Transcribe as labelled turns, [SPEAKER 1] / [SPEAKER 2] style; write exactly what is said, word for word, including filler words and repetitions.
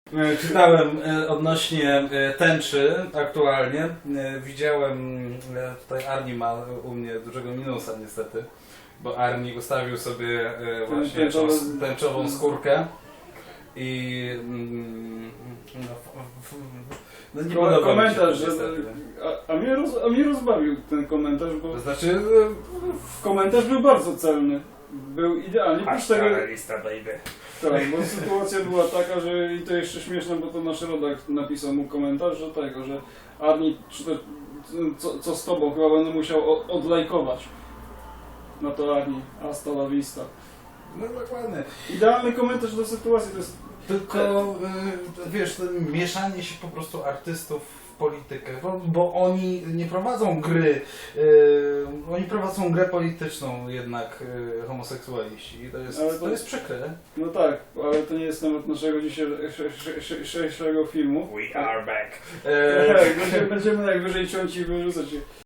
[SPEAKER 1] E, Czytałem e, odnośnie e, tęczy aktualnie. E, Widziałem, e, tutaj Arni ma u mnie dużego minusa niestety, bo Arni ustawił sobie e, właśnie
[SPEAKER 2] Tęczowe-
[SPEAKER 1] tą tęczową skórkę i mm, no, f- f- no nie
[SPEAKER 2] Ko-
[SPEAKER 1] podoba mi się to
[SPEAKER 2] komentarz, że,
[SPEAKER 1] niestety.
[SPEAKER 2] a, a, mnie roz, a mnie rozbawił ten komentarz, bo
[SPEAKER 1] To znaczy
[SPEAKER 2] komentarz był bardzo celny. Był idealnie. Plus tego,
[SPEAKER 1] lista baby.
[SPEAKER 2] tak, bo sytuacja była taka, że i to jeszcze śmieszne, bo to nasz rodak napisał mu komentarz, że tego, że Arni, czy to, co, co z tobą, chyba będę musiał o- odlajkować. No to Arni, hasta la vista.
[SPEAKER 1] No dokładnie.
[SPEAKER 2] Idealny komentarz do sytuacji, to jest
[SPEAKER 1] Tylko y, wiesz, to mieszanie się po prostu artystów w politykę, bo, bo oni nie prowadzą gry, y, oni prowadzą grę polityczną jednak y, homoseksualiści i to jest,
[SPEAKER 2] Ale
[SPEAKER 1] to...
[SPEAKER 2] to-
[SPEAKER 1] jest przykre.
[SPEAKER 2] no tak, ale to nie jest temat naszego dzisiejszego filmu.
[SPEAKER 1] We are back.
[SPEAKER 2] Tak, będziemy, będziemy najwyżej ciąć i wyrzucać je.